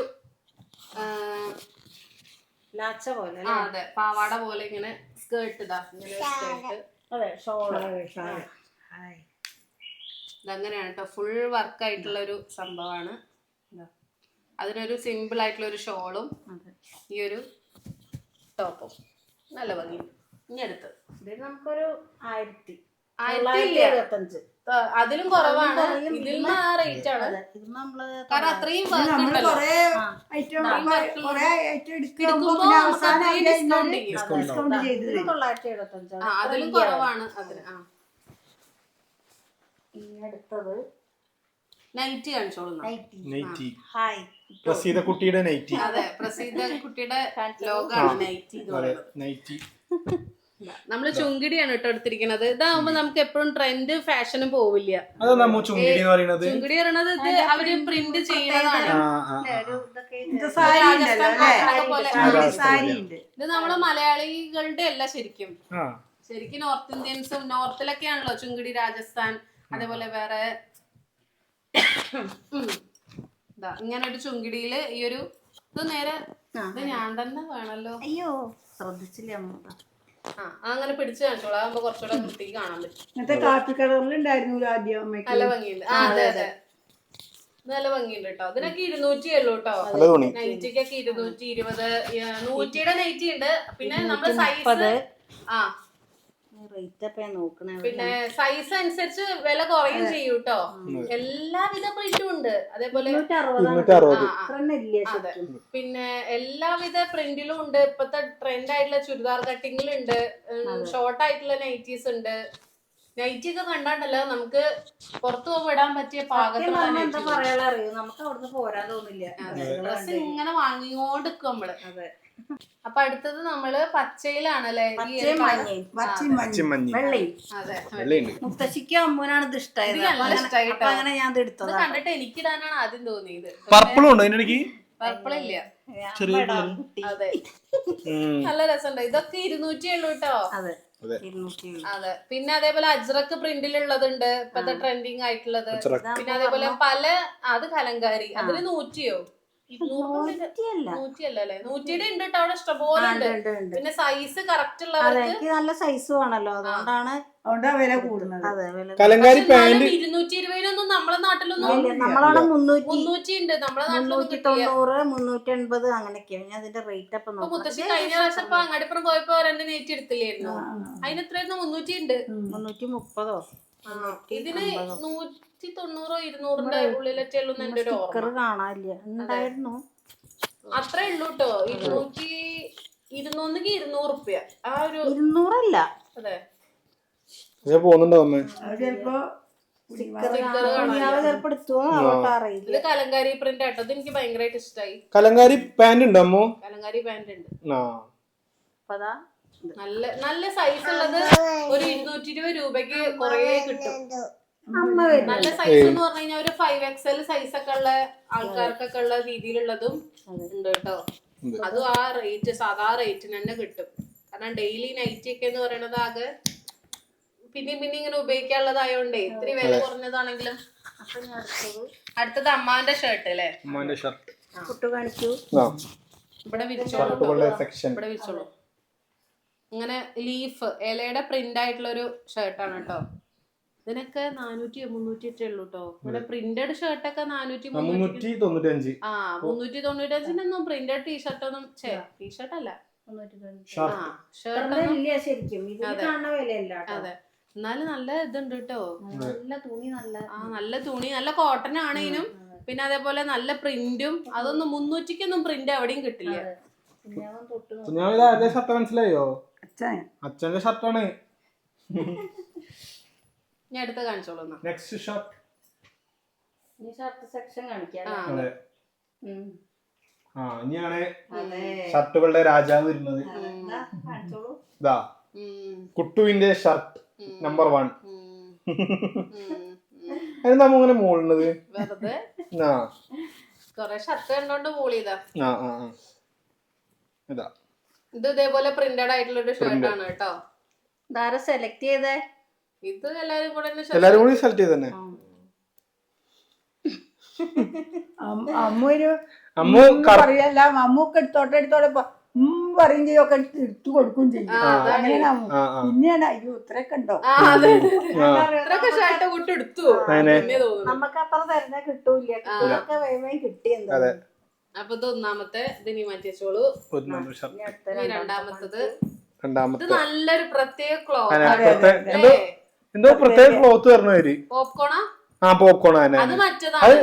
Speaker 2: അതെ പാവാട പോലെ ഇങ്ങനെ സ്കേർട്ട് ഇതാ ഇങ്ങനെ സ്കേർട്ട്. ഇതങ്ങനെയാണ് കേട്ടോ. ഫുൾ വർക്ക് ആയിട്ടുള്ള ഒരു സംഭവമാണ്. അതിനൊരു സിമ്പിൾ ആയിട്ടുള്ള ഒരു ഷോളും ഈ ഒരു ടോപ്പും നല്ല ഭംഗി. ഇനി അടുത്ത്
Speaker 4: നമുക്കൊരു
Speaker 2: 1975. അതിലും കുറവാണ്. ഇതിൽ നിന്ന് ആ റേറ്റ് ആണ്. കാരണം അത്രയും അതിലും കുറവാണ് അതിന്.
Speaker 4: അടുത്തത്
Speaker 2: നൈറ്റി കാണിച്ചോളൂ.
Speaker 1: പ്രസീത കുട്ടിയുടെ നൈറ്റി.
Speaker 2: അതെ പ്രസീത കുട്ടിയുടെ ലോഗാണ് നൈറ്റി എന്ന് പറയുന്നത്. നമ്മള് ചുങ്കിടിയാണ് കേട്ടോ എടുത്തിരിക്കുന്നത്. ഇതാവുമ്പോ നമുക്ക് എപ്പോഴും ട്രെൻഡ് ഫാഷനും പോവില്ല. ചുങ്കിടി പറയുന്നത് ഇത് അവര് പ്രിന്റ് ചെയ്യുന്നതാണ്. ഇത് നമ്മള് മലയാളികളുടെ അല്ല ശരിക്കും നോർത്ത് ഇന്ത്യൻസും നോർത്തിലൊക്കെയാണല്ലോ ചുങ്കിടി. രാജസ്ഥാൻ അതേപോലെ വേറെ ഇങ്ങനെ ഒരു ചുങ്കിടിയില് ഈ ഒരു ഇത് നേരെ ഇത് ഞാൻ തന്നെ വേണല്ലോ.
Speaker 4: അയ്യോ ശ്രദ്ധിച്ചില്ല.
Speaker 2: അങ്ങനെ പിടിച്ചു കാണിച്ചോളൂ. അതാകുമ്പോ കുറച്ചുകൂടെ വൃത്തിക്ക് കാണാൻ പറ്റും. നല്ല ഭംഗിയുണ്ട്. അതെ അതെ നല്ല ഭംഗിയുണ്ട് കേട്ടോ. ഇതിനൊക്കെ 200 ഉള്ളൂ കേട്ടോ. നൈറ്റിക്കൊക്കെ 220. 100യുടെ നൈറ്റി ഉണ്ട്. പിന്നെ നമ്മള് സൈസ്
Speaker 4: റേറ്റ് ഒക്കെ നോക്കണേ.
Speaker 2: പിന്നെ സൈസ് അനുസരിച്ച് വില കുറയും ചെയ്യും കേട്ടോ. എല്ലാവിധ പ്രിന്റും ഉണ്ട്. അതേപോലെ
Speaker 4: 260.
Speaker 2: പിന്നെ എല്ലാവിധ പ്രിന്റിലും ഉണ്ട്. ഇപ്പത്തെ ട്രെൻഡ് ആയിട്ടുള്ള ചുരിദാർ കട്ടിങ്ങിലുണ്ട്, ഷോർട്ട് ആയിട്ടുള്ള നൈറ്റീസ് ഉണ്ട്. നൈറ്റി ഒക്കെ കണ്ടാണ്ടല്ലോ നമുക്ക് പുറത്തു പോകുമ്പോ ഇടാൻ പറ്റിയ പാകത്തിലുള്ള
Speaker 4: എന്താ പറയാ അറിയോ, നമുക്ക് അവിടുന്ന് പോരാൻ തോന്നില്ല.
Speaker 2: ഡ്രസ് ഇങ്ങനെ വാങ്ങിക്കൊണ്ട് നിൽക്കും നമ്മള്. അപ്പൊ അടുത്തത് നമ്മള് പച്ചയിലാണല്ലേ,
Speaker 4: വെള്ളി. മുത്തശ്ശിക്കും അമ്മൂനാണ് ഇത് ഇഷ്ടമായത്. അങ്ങനെ ഞാൻ ഇത് എടുത്തത്.
Speaker 2: കണ്ടിട്ട് എനിക്കിടാനാണ് ആദ്യം തോന്നിയത്.
Speaker 1: പർപ്പിളും ഉണ്ടോ അതിനിടയ്ക്ക്?
Speaker 2: പർപ്പിളില്ല. അതെ, നല്ല രസമുണ്ട്. ഇതൊക്കെ 200 ഉള്ളൂ കേട്ടോ.
Speaker 4: അതെ.
Speaker 2: അതെ. പിന്നെ അതേപോലെ അജ്രക്ക് പ്രിന്റിലുള്ളതുണ്ട് ഇപ്പത്തെ ട്രെൻഡിങ് ആയിട്ടുള്ളത്. പിന്നെ അതേപോലെ പല അത് കലങ്കാരി, അതിന് 100യോ 100അല്ലേ 100യുടെ ഉണ്ട് കേട്ടോ അവിടെ ഇഷ്ടംപോലെ ഉണ്ട്. പിന്നെ സൈസ് കറക്റ്റ് ഉള്ളവർക്ക്
Speaker 4: നല്ല സൈസും ആണല്ലോ, അതുകൊണ്ടാണ്
Speaker 3: വില കൂടുന്നത്.
Speaker 1: കലങ്കാരി പാന്റ്
Speaker 2: 220 നമ്മളെ നാട്ടിലൊന്നും
Speaker 4: നമ്മളവിടെ
Speaker 2: 300 ഉണ്ട്. നമ്മളെ നാട്ടിലൊന്നും
Speaker 4: 390, 380 അങ്ങനെയൊക്കെയാണ്. ഞാൻ അതിന്റെ റേറ്റ് അപ്പൊ നോക്കാം.
Speaker 2: മുത്തശ്ശി കഴിഞ്ഞ പ്രാവശ്യം ഇപ്പൊ അങ്ങാടിപ്പുറം പോയപ്പോ 2 നെറ്റ് എടുത്തില്ലായിരുന്നു. അതിന് എത്രയായിരുന്നു? 300 ഉണ്ട്.
Speaker 4: 330.
Speaker 2: ഇതിന് 190 200ന്റെ ഉള്ളിലൊക്കെ ഉള്ളൂ എന്റെ ഒരു ഓർമ്മ.
Speaker 4: കാണാനില്ല, ഉണ്ടായിരുന്നു.
Speaker 2: അത്രേ ഉള്ളൂ കേട്ടോ. 200 റുപ്യ ആ ഒരു
Speaker 4: 200 അല്ല.
Speaker 2: അതെ,
Speaker 1: പോകുന്നുണ്ടോ അമ്മ?
Speaker 3: ചിലപ്പോ
Speaker 4: അറിയില്ല.
Speaker 2: ഇത് കലങ്കാരി പ്രിന്റ് ആട്ടോ. ഇത് എനിക്ക് ഭയങ്കരമായിട്ട് ഇഷ്ടമായി.
Speaker 1: കലങ്കാരി പാന്റ് ഉണ്ടോ അമ്മോ?
Speaker 2: കലങ്കാരി പാന്റ് ഉണ്ട്.
Speaker 4: അപ്പതാ
Speaker 2: നല്ല നല്ല സൈസ് ഉള്ളത് ഒരു 220 രൂപയ്ക്ക് കൊറേ കിട്ടും. നല്ല സൈസ് എന്ന് പറഞ്ഞു കഴിഞ്ഞാൽ ഒരു 5XL സൈസ് ഒക്കെ ഉള്ള ആൾക്കാർക്കൊക്കെ ഉള്ള രീതിയിലുള്ളതും ഉണ്ട് കേട്ടോ. അതും ആ റേറ്റ് സാധാ റേറ്റിന് തന്നെ കിട്ടും. കാരണം ഡെയിലി നൈറ്റി ഒക്കെ എന്ന് പറയുന്നത് ആകെ പിന്നെ ഇങ്ങനെ ഉപയോഗിക്കാനുള്ളതായോണ്ടേ ഇത്തിരി വില കുറഞ്ഞതാണെങ്കിലും. അടുത്തത് അമ്മാന്റെ ഷർട്ട് അല്ലേ?
Speaker 1: അമ്മാന്റെ ഷർട്ട്
Speaker 4: കുട്ടു കാണിക്കൂ.
Speaker 2: ഇവിടെ വിരിച്ചോളൂ, ഇവിടെ വിരിച്ചോളൂ. ഇങ്ങനെ ലീഫ് ഇലയുടെ പ്രിന്റ് ആയിട്ടുള്ള ഒരു ഷർട്ടാണ് കേട്ടോ. ഇതിനൊക്കെ 400 300 ഉള്ളൂ കേട്ടോ. ഇവിടെ പ്രിന്റഡ് ഷർട്ടൊക്കെ 400
Speaker 1: 395.
Speaker 2: ആ 395 പ്രിന്റഡ് ടീഷർട്ടൊന്നും ടീഷർട്ട് അല്ല അതെ. എന്നാലും നല്ല ഇതുണ്ട് കേട്ടോ. നല്ല തുണി നല്ല കോട്ടൺ ആണേനും പിന്നെ അതേപോലെ നല്ല പ്രിന്റും. അതൊന്നും 300ക്കൊന്നും പ്രിന്റ് എവിടെയും കിട്ടില്ല.
Speaker 1: ഷർട്ട് മനസ്സിലായോ? അച്ഛന്റെ ഷർട്ടാണ്.
Speaker 2: ഞാൻ അടുത്ത് കാണിച്ചോളൂ.
Speaker 1: നെക്സ്റ്റ് ഷർട്ട്
Speaker 4: സെക്ഷൻ കാണിക്കാം.
Speaker 1: ഇനിയാണ് ഷർട്ടുകളുടെ രാജാവ് വരുന്നത്. ഇതാ കുട്ടുവിന്റെ ഷർട്ട് നമ്പർ 1. അതെന്താ അങ്ങനെ മോളുന്നത്?
Speaker 2: വെറുതെ കൊറേ ഷർട്ട് കണ്ടോണ്ട് മോളിയതാ.
Speaker 1: ഇതാ
Speaker 2: ഇത് ഇതേപോലെ പ്രിന്റഡ് ആയിട്ടുള്ള ഒരു ഷർട്ടാണ് കേട്ടോ.
Speaker 4: ഇതാരാ സെലക്ട് ചെയ്തേ?
Speaker 2: ഇത് എല്ലാരും കൂടി
Speaker 1: സെലക്ട് ചെയ്ത് തന്നെ.
Speaker 3: അമ്മു പറയല്ല, അമ്മൂക്ക് എടുത്തോട്ടെ പറയും ചെയ്യും, ഒക്കെ എടുത്തു കൊടുക്കും ചെയ്യും. അങ്ങനെയാണ് അമ്മു. പിന്നെയാണ് അയ്യോ ഇത്രയൊക്കെ ഉണ്ടോ
Speaker 2: ഷർട്ട് കൂട്ടി എടുത്തു.
Speaker 4: നമുക്ക് അത്ര തരുന്ന കിട്ടൂല, കിട്ടിയെന്താ.
Speaker 2: അപ്പൊ ഇത് ഒന്നാമത്തെ ഇതിനി മാറ്റിവെച്ചോളൂ. രണ്ടാമത്തത് ഇത് നല്ലൊരു പ്രത്യേക ക്ലോത്ത്.
Speaker 1: എന്തോ പ്രത്യേക ക്ലോത്ത് പറഞ്ഞവര്.
Speaker 2: പോപ്കോണാ?
Speaker 1: പോപ്കോൺ അത് മറ്റേത്.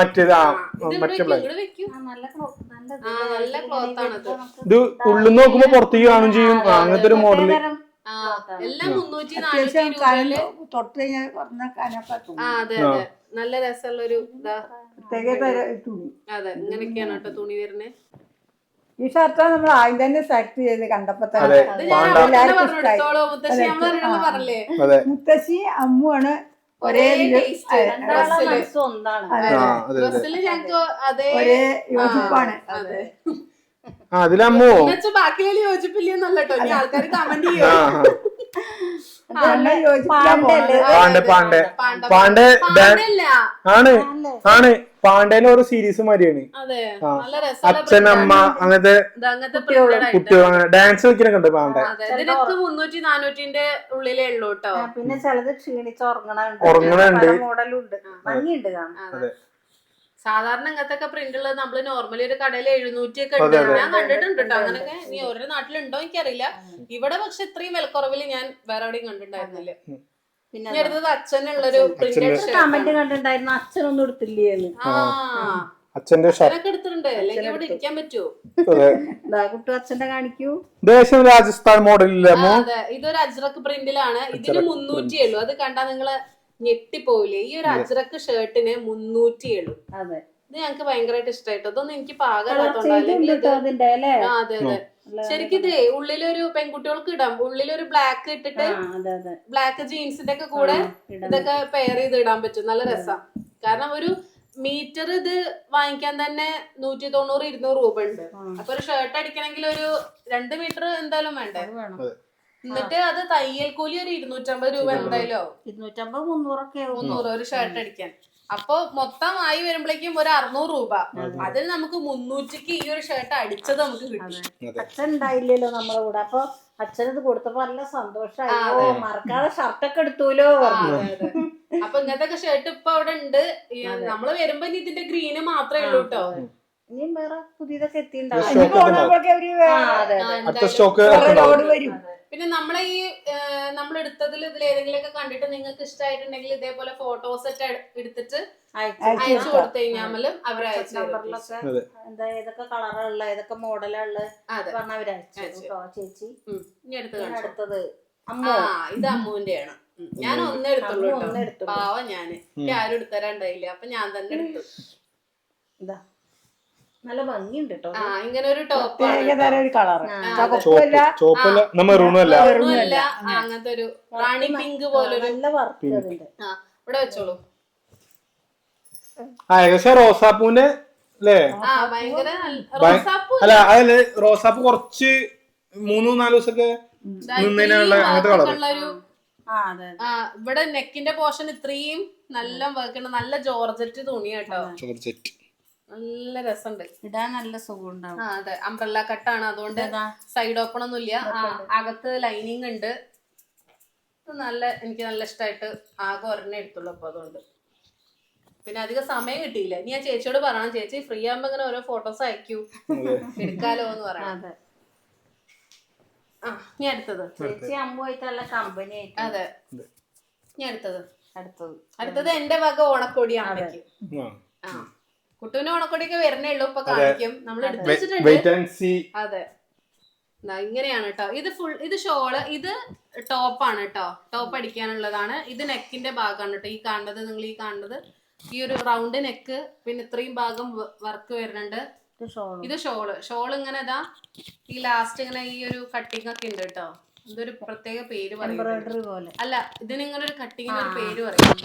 Speaker 2: നല്ല ക്ലോത്ത് ആണത്.
Speaker 1: ഇത് ഉള്ളിൽ നോക്കുമ്പോ പുറത്തേക്ക് കാണും ചെയ്യും. അങ്ങനത്തെ ഒരു മോഡല്.
Speaker 2: എല്ലാം 300-400
Speaker 3: തൊട്ട് കഴിഞ്ഞാൽ
Speaker 2: അതെ അതെ. നല്ല രസമുള്ള ഒരു
Speaker 3: തുണി.
Speaker 2: അതെ, ഇങ്ങനെയൊക്കെയാണ് കേട്ടോ തുണി വരുന്നത്.
Speaker 3: ഈ ഷർട്ട് നമ്മൾ ആദ്യം തന്നെ സെലക്ട് ചെയ്ത് കണ്ടപ്പോ മുത്തശ്ശി അമ്മുവാണ് ഒരേ ഒരേ യോജിപ്പാണ്.
Speaker 1: അതിലമ്മോ
Speaker 2: ബാക്കിയിൽ യോജിപ്പില്ലെന്നല്ലോ ആൾക്കാർ കമന്റ് ചെയ്യോ.
Speaker 1: ആണ് പാണ്ഡേനെ ഓരോ സീരീസ് മാതിരിയാണ്. അച്ഛനമ്മ അങ്ങനത്തെ കുട്ടികൾ ഡാൻസ് കളിക്കാനൊക്കെ ഉണ്ട് പാണ്ഡെ.
Speaker 2: 300-400 ഉള്ളിലേ ഉള്ളൂ കേട്ടോ.
Speaker 4: പിന്നെ ചിലത് ക്ഷീണിച്ച് ഉറങ്ങണുണ്ട്.
Speaker 1: മോഡലുണ്ട്.
Speaker 4: ഭംഗിയുണ്ട്.
Speaker 2: സാധാരണ ഇങ്ങനത്തെ പ്രിന്റ് ഉള്ളത് നമ്മള് നോർമലി ഒരു കടയിൽ 700 ഒക്കെ ഉണ്ട്. ഞാൻ കണ്ടിട്ടുണ്ട് കേട്ടോ അങ്ങനെയൊക്കെ. ഇനി ഓരോ നാട്ടിലുണ്ടോ എനിക്കറിയില്ല. ഇവിടെ പക്ഷെ ഇത്രയും വിലക്കുറവില് ഞാൻ വേറെ എവിടെയും കണ്ടിട്ടുണ്ടായിരുന്നില്ല. പിന്നെ അടുത്തത് അച്ഛനുള്ളൊരു പ്രിന്റഡ്
Speaker 4: കമന്റ് കണ്ടിട്ടുണ്ടായിരുന്നു അച്ഛനൊന്നും എടുത്തില്ലേന്ന്.
Speaker 1: അച്ഛന്റെ
Speaker 2: ഷർട്ടൊക്കെ എടുത്തിട്ടുണ്ട്. അല്ലെങ്കിൽ ഇവിടെ ഇരിക്കാൻ പറ്റുമോ?
Speaker 4: കുട്ടു അച്ഛന്റെ കാണിക്കൂ.
Speaker 1: ദേശം രാജസ്ഥാൻ മോഡലില്ല.
Speaker 2: അതെ, ഇതൊരു അജ്രക്ക് പ്രിന്റിലാണ്. ഇതിന് 307. അത് കണ്ടാ നിങ്ങള് ഞെട്ടിപ്പോവില്ലേ? ഈ ഒരു അജ്രക്ക് ഷർട്ടിന് 307.
Speaker 4: അതെ,
Speaker 2: ഇത് ഞങ്ങക്ക് ഭയങ്കരമായിട്ട് ഇഷ്ടമായിട്ടോ. ഇതൊന്നും എനിക്ക് പാകമില്ലാത്തോണ്ട്. അല്ലെങ്കിൽ അതെ അതെ, ശരിക്കും ഇതേ ഉള്ളിലൊരു പെൺകുട്ടികൾക്ക് ഇടാം. ഉള്ളിലൊരു ബ്ലാക്ക് ഇട്ടിട്ട് ബ്ലാക്ക് ജീൻസിന്റെ ഒക്കെ കൂടെ ഇതൊക്കെ പെയർ ചെയ്ത് ഇടാൻ പറ്റും. നല്ല രസം. കാരണം ഒരു മീറ്റർ ഇത് വാങ്ങിക്കാൻ തന്നെ 190-200 രൂപ ഉണ്ട്. അപ്പൊ ഒരു ഷർട്ട് അടിക്കണമെങ്കിൽ ഒരു 2 മീറ്റർ എന്തായാലും വേണ്ടേ? എന്നിട്ട് അത് തയ്യൽ കൂലി ഒരു 250 രൂപ എന്തായാലും 250-300 ഒരു ഷർട്ട് അടിക്കാൻ. അപ്പൊ മൊത്തം ആയി വരുമ്പോഴേക്കും ഒരു 600 രൂപ. അതിൽ നമുക്ക് 300ക്ക് ഈ ഒരു ഷർട്ട് അടിച്ചത് നമുക്ക് കിട്ടി.
Speaker 4: അച്ഛൻ ഉണ്ടായില്ലല്ലോ നമ്മളെ കൂടെ. അപ്പൊ അച്ഛനത് കൊടുത്തപ്പോ നല്ല സന്തോഷമായി. മറക്കാതെ ഷർട്ടൊക്കെ എടുത്തൂലോ.
Speaker 2: അപ്പൊ ഇങ്ങനത്തെ ഷർട്ട് ഇപ്പൊ അവിടെ ഉണ്ട്. നമ്മള് വരുമ്പോ ഇനി ഇതിന്റെ ഗ്രീന് മാത്രമേ ഉള്ളൂ കേട്ടോ.
Speaker 4: ഇനിയും വേറെ പുതിയതൊക്കെ എത്തിണ്ടാവും.
Speaker 2: പിന്നെ നമ്മളെ ഈ നമ്മൾ എടുത്തതിൽ ഇതിൽ ഏതെങ്കിലും ഒക്കെ കണ്ടിട്ട് നിങ്ങൾക്ക് ഇഷ്ടമായിട്ടുണ്ടെങ്കിൽ ഇതേപോലെ ഫോട്ടോസ് ഒക്കെ എടുത്തിട്ട് അയച്ചു കൊടുത്തു കഴിഞ്ഞാൽ അവർ അയച്ചു
Speaker 4: എന്താ ഏതൊക്കെ കളറുള്ള ഏതൊക്കെ മോഡലുള്ള പറഞ്ഞ അവരയച്ചു ചേച്ചി.
Speaker 2: ഇനി
Speaker 4: അടുത്തത്
Speaker 2: ഇത് അമ്മുവിന്റെയാണ്. ഞാൻ ഒന്നേ എടുത്തുള്ളൂ കേട്ടോ. പാവ ഞാന് ആരും എടുത്തരാണ്ടായില്ല. അപ്പൊ ഞാൻ തന്നെ എടുത്തു.
Speaker 4: ഇതാ നല്ല ഭംഗിയുണ്ട് കേട്ടോ.
Speaker 2: ഇങ്ങനെ ഒരു ടോപ്പ് അങ്ങനത്തെ ഒരു റാണി പിങ്ക് പോലൊരു
Speaker 4: നല്ല വർക്ക് അതിന്റെ.
Speaker 2: ഇവിടെ വെച്ചോളൂ.
Speaker 1: ഏകദേശം റോസാപ്പൂന്റെ അല്ലേ?
Speaker 2: ഭയങ്കര
Speaker 1: അല്ല അതല്ലേ റോസാപ്പൂ കുറച്ച് 3-4 ദിവസമൊക്കെ നിന്നതിനുള്ള അങ്ങനത്തെ കളർ.
Speaker 2: ഇവിടെ നെക്കിന്റെ പോർഷൻ ഇത്രയും നല്ല വർക്ക്. നല്ല ജോർജറ്റ് തുണി കേട്ടോ.
Speaker 1: ജോർജറ്റ്
Speaker 2: നല്ല രസമുണ്ട്.
Speaker 4: ഇടാൻ നല്ല സുഖം ഉണ്ടാവും.
Speaker 2: അതെ, അംബ്രല്ല കട്ടാണ്. അതുകൊണ്ട് സൈഡ് ഓപ്പൺ ഒന്നും ഇല്ല. അകത്ത് ലൈനിങ് ഉണ്ട്. എനിക്ക് നല്ല ഇഷ്ടമായിട്ട് ആകെ ഒരെണ്ണേ എടുത്തുള്ളൂ. അപ്പൊ അതുകൊണ്ട് പിന്നെ അധികം സമയം കിട്ടിയില്ല. ഇനി ഞാൻ ചേച്ചിയോട് പറയണം, ചേച്ചി ഫ്രീ ആകുമ്പോ ഇങ്ങനെ ഓരോ ഫോട്ടോസ് അയക്കൂ, എടുക്കാലോ എന്ന് പറയാം. ഇനി അടുത്തത്
Speaker 4: ചേച്ചി അമ്മുമായിട്ടുള്ള കമ്പനി.
Speaker 2: അതെ, ഇനി അടുത്തത് എന്റെ വക ഓണക്കോടി അമ്മയ്ക്ക്. കുട്ടുവിന് ഓണക്കോടിയൊക്കെ വരണേ ഉള്ളൂ. ഇപ്പൊ കാണിക്കും. നമ്മൾ എടുത്തു വെച്ചിട്ടുണ്ട്. അതെ, ഇങ്ങനെയാണ് കേട്ടോ. ഇത് ഷോള്, ഇത് ടോപ്പാണ് കേട്ടോ. ടോപ്പ് അടിക്കാനുള്ളതാണ്. ഇത് നെക്കിന്റെ ഭാഗമാണ് കേട്ടോ. ഈ കാണുന്നത്, നിങ്ങൾ ഈ കാണുന്നത് ഈ ഒരു റൗണ്ട് നെക്ക്. പിന്നെ ഇത്രയും ഭാഗം വർക്ക് വരുന്നുണ്ട്. ഇത് ഷോള് ഇങ്ങനെ ഇതാ ഈ ലാസ്റ്റ് ഇങ്ങനെ ഈ ഒരു കട്ടിങ് ഒക്കെ ഉണ്ട് കേട്ടോ. ഇതൊരു പ്രത്യേക പേര് പറയും. അല്ല, ഇതിനിങ്ങനെ ഒരു കട്ടിങ്ങിന് ഒരു പേര് പറയും.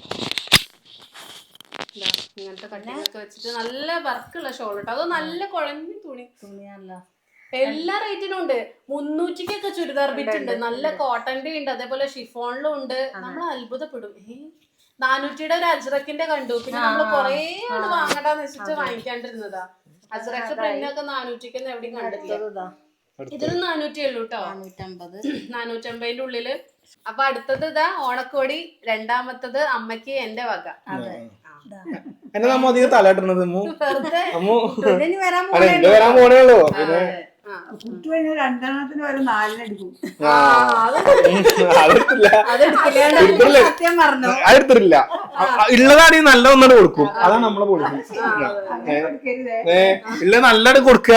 Speaker 2: ഇങ്ങനത്തെ കട്ടിങ് ഒക്കെ വെച്ചിട്ട് നല്ല വർക്കുള്ള ഷോൾ കേട്ടോ. അത് നല്ല കുഴഞ്ഞ തുണിയല്ല. എല്ലാ റേറ്റിനും ഉണ്ട്. 300-ക്കൊക്കെ ചുരിദാർ ബിറ്റ് ഉണ്ട്. നല്ല കോട്ടന്റെ ഉണ്ട്, അതേപോലെ ഷിഫോണിലും ഉണ്ട്. നമ്മൾ അത്ഭുതപ്പെടും. 400-യുടെ ഒരു അജ്രക്കിന്റെ കണ്ടു. പിന്നെ നമ്മള് കൊറേ വാങ്ങണ്ടാന്ന് വെച്ചിട്ട് വാങ്ങിക്കാണ്ടിരുന്നതാ. അജ്രക്ക് പ്രിന്റൊക്കെ 400-ക്കൊന്നും എവിടെയും കണ്ടിട്ടില്ല. ഇതിനും 400 ഉള്ളൂ കേട്ടോ. 450-ന്റെ ഉള്ളില്. അപ്പൊ അടുത്തത് ഇതാ ഓണക്കോടി. രണ്ടാമത്തത് അമ്മയ്ക്ക് എന്റെ വക.
Speaker 1: എന്നെ നമ്മ അധികം തലയിട്ടത്
Speaker 3: വരാൻ പോണേ ഉള്ളൂ. പിന്നെ 2 വരെ 4 എടുക്കും.
Speaker 1: അടുത്തില്ല. ഉള്ളതാണെങ്കിൽ നല്ല ഒന്നാട് കൊടുക്കും. അതാണ് നമ്മളെ പോളിസി. ഉള്ള നല്ലത് കൊടുക്കുക.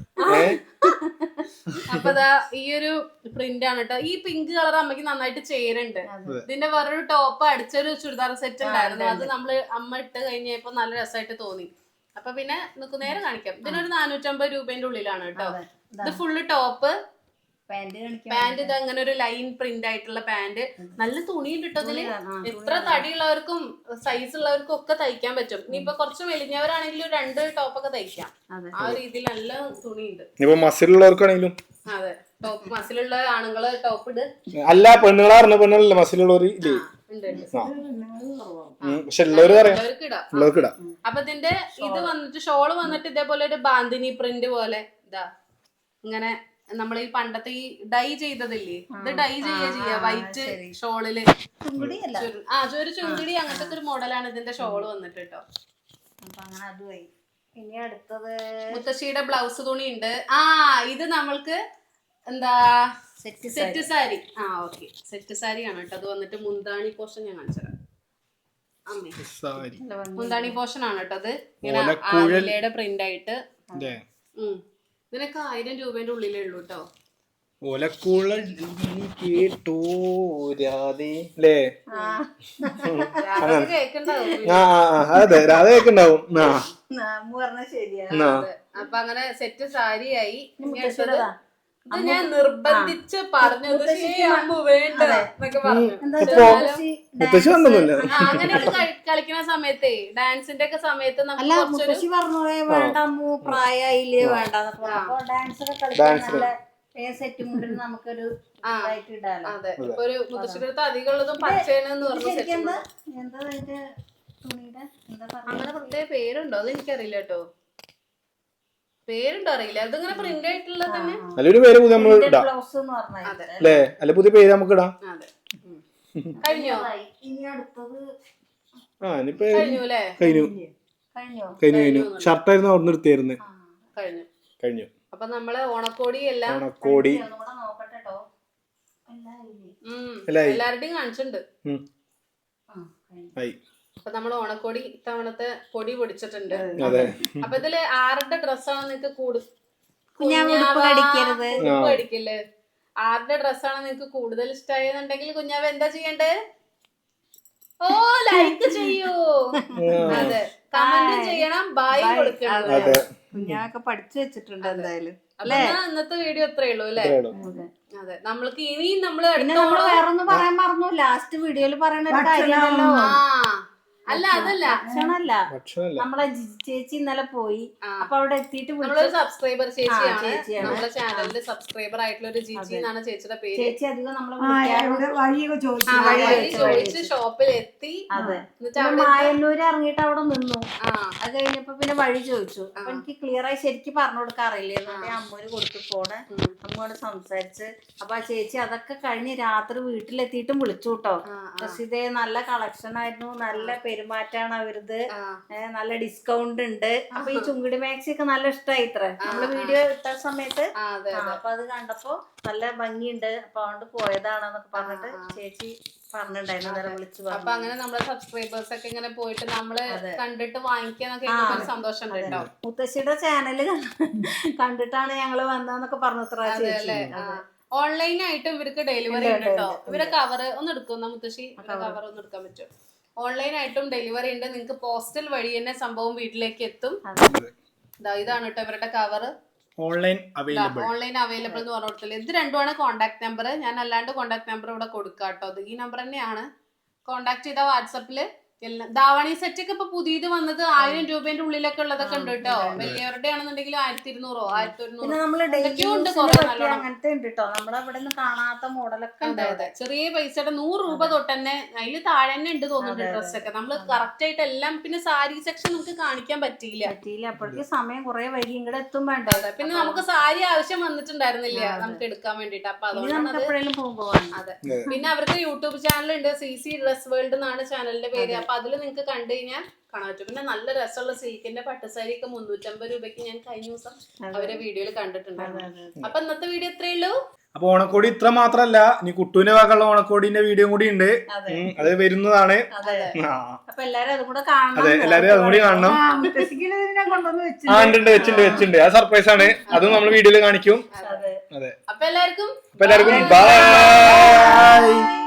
Speaker 2: അപ്പൊ ഈ ഒരു പ്രിന്റ് ആണ് കേട്ടോ. ഈ പിങ്ക് കളർ അമ്മയ്ക്ക് നന്നായിട്ട് ചേരുന്നുണ്ട്. ഇതിന്റെ വേറൊരു ടോപ്പ് അടിച്ചൊരു ചുരിദാർ സെറ്റ് ഉണ്ടായിരുന്നു. അത് നമ്മള് അമ്മ ഇട്ട് കഴിഞ്ഞപ്പോ നല്ല രസമായിട്ട് തോന്നി. അപ്പൊ പിന്നെ നമുക്ക് നേരെ കാണിക്കാം. ഇതിനൊരു 450 രൂപേന്റെ ഉള്ളിലാണ് കേട്ടോ. ഇത് ഫുള്ള് ടോപ്പ്. പാന്റ് ഇത് അങ്ങനെ ഒരു ലൈൻ പ്രിന്റ് ആയിട്ടുള്ള പാന്റ്. നല്ല തുണി കിട്ടതില്. എത്ര തടിയുള്ളവർക്കും സൈസ് ഉള്ളവർക്കും ഒക്കെ തയ്ക്കാൻ പറ്റും. ഇനിയിപ്പൊ കുറച്ച് മെലിഞ്ഞവരാണെങ്കിലും 2 ടോപ്പൊക്കെ തയ്ക്കാം. ആ ഒരു രീതിയിൽ നല്ല തുണിയുണ്ട്.
Speaker 1: മസിലുള്ളവർക്കാണെങ്കിലും
Speaker 2: അതെ, ടോപ്പ് മസിലുള്ള ആണുങ്ങള് ടോപ്പ് ഇട്.
Speaker 1: അല്ല, പെണ്ണുങ്ങളാറിന് പെണ്ണുങ്ങളല്ലേ മസിലുള്ളവർ.
Speaker 2: അപ്പൊ ഇതിന്റെ ഇത് വന്നിട്ട് ഷോള് വന്നിട്ട് ഇതേപോലെ ഒരു ബാന്തിനി പ്രിന്റ് പോലെ ഇതാ ഇങ്ങനെ. നമ്മൾ ഈ പണ്ടത്തെ ഈ ഡൈ ചെയ്തതില്ലേ, ഇത് ഡൈ ചെയ്യാ വൈറ്റ് ഷോളില്. ഒരു ചുങ്കിടി അങ്ങനത്തെ ഒരു മോഡലാണ് ഇതിന്റെ ഷോള് വന്നിട്ട് കേട്ടോ.
Speaker 4: അപ്പൊ അങ്ങനെ അതുമായി. ഇനി അടുത്തത്
Speaker 2: മുത്തശ്ശിയുടെ ബ്ലൗസ് തുണി ഉണ്ട്. ഇത് നമ്മൾക്ക് എന്താ set sari. Okay, set sari ആണ് കേട്ടോ. അത് വന്നിട്ട് മുന്താണി പോർഷൻ ഞാൻ കാണിച്ചുതരാം. മുന്താണി പോർഷൻ ആണ് കേട്ടോ. അത് ഇങ്ങനെ ആലിലയുടെ പ്രിന്റ് ആയിട്ട്. ഇതിനൊക്കെ 1000 രൂപേന്റെ ഉള്ളിലേ ഉള്ളൂ കേട്ടോ.
Speaker 1: ഓലക്കൂള കേട്ടോ അതെ രാധ കേക്കുണ്ടാവും.
Speaker 2: അപ്പൊ അങ്ങനെ സെറ്റ് സാരിയായി. ഇത് ഞാൻ നിർബന്ധിച്ച് പറഞ്ഞത് വേണ്ട എന്നൊക്കെ പറഞ്ഞു. അങ്ങനെയൊക്കെ കളിക്കുന്ന സമയത്തേ, ഡാൻസിന്റെ ഒക്കെ സമയത്ത്
Speaker 4: മുത്തശ്ശി പറഞ്ഞു വേണ്ട പ്രായമായില്ലേ വേണ്ട. ഡാൻസ് ഒക്കെ കളിക്കാൻ സെറ്റ് മുണ്ടിൽ നമുക്കൊരു ഇടാലോ.
Speaker 2: അതെ, ഇപ്പൊ ഒരു മുത്തശ്ശിയുടെ അടുത്ത് അധികം ഉള്ളതും പച്ചേനെന്ന് പറഞ്ഞു.
Speaker 4: എന്താ അതിന്റെ തുണിയുടെ
Speaker 2: അങ്ങനെ പ്രത്യേക പേരുണ്ടോ അത് എനിക്കറിയില്ല കേട്ടോ. പേരുണ്ടോ അറിയില്ല. അതിങ്ങനെ പ്രിന്റ് ആയിട്ടുള്ളത് തന്നെ.
Speaker 1: നല്ലൊരു പേര്
Speaker 4: ബ്ലൗസ് എന്ന് പറഞ്ഞാൽ
Speaker 1: അല്ലേ? അല്ല പുതിയ പേര് നമുക്ക് ഇടാം.
Speaker 2: അതെ, കഴിഞ്ഞോ?
Speaker 4: ഇനി അടുത്തത്
Speaker 2: കഴിഞ്ഞു അല്ലേ?
Speaker 1: കഴിഞ്ഞു. ഷർട്ടായിരുന്നു അവിടെ നിർത്തിയായിരുന്നു. കഴിഞ്ഞു.
Speaker 2: അപ്പൊ നമ്മള് ഓണക്കോടി എല്ലാം എല്ലാവരുടെയും കാണിച്ചിട്ടുണ്ട്. അപ്പൊ നമ്മള് ഓണക്കോടി ഇത്തവണത്തെ പൊടി പൊടിച്ചിട്ടുണ്ട്. അപ്പൊ ഇതില് ആരുടെ ഡ്രസ്സാണ് നിങ്ങക്ക് അടിക്കല്ലേ? ആരുടെ ഡ്രസ്സാണ് നിങ്ങക്ക് കൂടുതൽ ഇഷ്ടമായെന്നുണ്ടെങ്കിൽ കുഞ്ഞാവ് എന്താ ചെയ്യണ്ടേ? ലൈക്ക് ചെയ്യൂ. അതെ, കമന്റ് ചെയ്യണം, ബൈ കൊടുക്കണം.
Speaker 4: കുഞ്ഞാവൊക്കെ പഠിച്ചു വെച്ചിട്ടുണ്ട് എന്തായാലും.
Speaker 2: ഇന്നത്തെ വീഡിയോ ഇത്രയേ ഉള്ളൂ അല്ലേ? അതെ, നമ്മൾക്ക് ഇനിയും നമ്മള്
Speaker 4: വേറൊന്നും പറയാൻ മറന്നു. ലാസ്റ്റ് വീഡിയോയില് പറയണ ഒരു കാര്യമല്ലോ.
Speaker 2: അല്ല, അതല്ല,
Speaker 4: ഭക്ഷണല്ല. നമ്മളെ ചേച്ചി ഇന്നലെ പോയി. അപ്പൊ അവിടെ എത്തിയിട്ട്
Speaker 2: സബ്സ്ക്രൈബർ ചേച്ചിയാണ്. നമ്മുടെ ചാനലിന്റെ സബ്സ്ക്രൈബർ ആയിട്ടുള്ള ഒരു ജിജി എന്നാണ് ചേച്ചിയുടെ പേര്.
Speaker 4: ചേച്ചി അധികം നമ്മളെ
Speaker 2: ചോദിച്ച് ഷോപ്പിൽ എത്തി.
Speaker 4: മായന്നൂര് ഇറങ്ങിയിട്ട് അവിടെ നിന്നു. അത് കഴിഞ്ഞപ്പോ പിന്നെ വഴി ചോദിച്ചു. അപ്പൊ എനിക്ക് ക്ലിയർ ആയി ശരിക്കും പറഞ്ഞു കൊടുക്കാറില്ലേ എന്നിട്ട് അമ്മൂര് കൊടുത്തു പോണ്. അമ്മയോട് സംസാരിച്ച് അപ്പൊ ആ ചേച്ചി അതൊക്കെ കഴിഞ്ഞ് രാത്രി വീട്ടിലെത്തിയിട്ടും വിളിച്ചു കേട്ടോ. പക്ഷെ ഇതേ നല്ല കളക്ഷൻ ആയിരുന്നു, നല്ല പെരുമാറ്റാണ് അവരത്, നല്ല ഡിസ്കൗണ്ട് ഉണ്ട്. അപ്പൊ ഈ ചുങ്കിടി മാക്സി ഒക്കെ നല്ല ഇഷ്ടമായി ഇത്ര നമ്മള് വീഡിയോ ഇട്ട സമയത്ത്. അപ്പൊ അത് കണ്ടപ്പോ നല്ല ഭംഗിയുണ്ട്. അപ്പൊ അതുകൊണ്ട് പോയതാണെന്നൊക്കെ പറഞ്ഞിട്ട് ചേച്ചി പറഞ്ഞിട്ടുണ്ടായിരുന്നു, വിളിച്ചു പറഞ്ഞു.
Speaker 2: അപ്പൊ അങ്ങനെ നമ്മളെ സബ്സ്ക്രൈബേഴ്സ് ഒക്കെ ഇങ്ങനെ പോയിട്ട് നമ്മള് കണ്ടിട്ട് വാങ്ങിക്കാന്നൊക്കെ സന്തോഷം കേട്ടോ.
Speaker 4: മുത്തശ്ശിയുടെ ചാനല് കണ്ടിട്ടാണ് ഞങ്ങള് വന്നതെന്നൊക്കെ പറഞ്ഞു.
Speaker 2: ഓൺലൈനായിട്ടും ഇവർക്ക് ഡെലിവറി ഉണ്ട് കേട്ടോ. ഇവരെ കവർ ഒന്ന് എടുക്കുന്ന മുത്തശ്ശി, കവർ ഒന്ന് എടുക്കാൻ പറ്റും. ഓൺലൈനായിട്ടും ഡെലിവറി ഉണ്ട്. നിങ്ങൾക്ക് പോസ്റ്റൽ വഴി തന്നെ സംഭവം വീട്ടിലേക്ക് എത്തും. ഇതാണ് കേട്ടോ ഇവരുടെ കവർ.
Speaker 1: ഓൺലൈൻ
Speaker 2: അവൈലബിൾ എന്ന് പറഞ്ഞു കൊടുത്തില്ല. ഇത് രണ്ടുമാണ് കോൺടാക്ട് നമ്പർ. ഞാൻ അല്ലാണ്ട് കോൺടാക്ട് നമ്പർ ഇവിടെ കൊടുക്കാം കേട്ടോ. അത് ഈ നമ്പർ തന്നെയാണ്. കോൺടാക്ട് ചെയ്ത വാട്സപ്പില് എല്ലാം. ധാവണി സെറ്റ് ഒക്കെ ഇപ്പൊ പുതിയത് വന്നത് 1000 രൂപേന്റെ ഉള്ളിലൊക്കെ ഉള്ളതൊക്കെ ഉണ്ട് കേട്ടോ. വലിയവരുടെ ആണെന്നുണ്ടെങ്കിൽ 1200 1100
Speaker 4: അങ്ങനത്തെ ഉണ്ട് കേട്ടോ. നമ്മുടെ അവിടെ നിന്ന് കാണാത്ത മോഡലൊക്കെ ഉണ്ട്.
Speaker 2: ചെറിയ പൈസയുടെ 100 രൂപ തൊട്ട് തന്നെ അതിൽ താഴെ തന്നെ ഉണ്ട് തോന്നുന്നുണ്ട് ഡ്രസ്സൊക്കെ. നമ്മള് കറക്റ്റ് ആയിട്ട് എല്ലാം. പിന്നെ സാരി സെക്ഷൻ നമുക്ക് കാണിക്കാൻ പറ്റിയില്ല.
Speaker 4: അപ്പോഴേക്ക് സമയം കുറെ വൈകി ഇങ്ങടെ എത്തും വേണ്ട.
Speaker 2: പിന്നെ നമുക്ക് സാരി ആവശ്യം വന്നിട്ടുണ്ടായിരുന്നില്ല നമുക്ക് എടുക്കാൻ വേണ്ടിട്ട്. അപ്പൊ അതുകൊണ്ടാണ്. അതെ, പിന്നെ അവർക്ക് യൂട്യൂബ് ചാനൽ ഉണ്ട്, CC ഡ്രസ് വേൾഡ് എന്നാണ് ചാനലിന്റെ പേര്. അപ്പൊ അതില് നിങ്ങക്ക് കണ്ടു കഴിഞ്ഞാൽ കാണാൻ പറ്റും. പിന്നെ നല്ല രസമുള്ള സിൽക്കിന്റെ പട്ടുസാരി ഒക്കെ 350 രൂപയ്ക്ക് ഞാൻ കഴിഞ്ഞ ദിവസം അവരെ വീഡിയോയിൽ കണ്ടിട്ടുണ്ടായിരുന്നു. അപ്പൊ ഇന്നത്തെ വീഡിയോ ഇത്രയേ ഉള്ളൂ.
Speaker 1: അപ്പൊ ഓണക്കോടി ഇത്ര മാത്രല്ല, ഇനി കുട്ടൂന്റെ ഭാഗമുള്ള ഓണക്കോടിന്റെ വീഡിയോ കൂടി ഉണ്ട്. അത് വരുന്നതാണ്.
Speaker 4: അപ്പൊ എല്ലാരും അതും കൂടെ കാണണം.
Speaker 1: അതെ, എല്ലാരും അതും കൂടി കാണണം. വെച്ചിട്ടുണ്ട്. അത് സർപ്രൈസ് ആണ്. അതും നമ്മൾ വീഡിയോയിൽ കാണിക്കും. അതെ,
Speaker 2: അപ്പൊ എല്ലാവർക്കും
Speaker 1: ബൈ.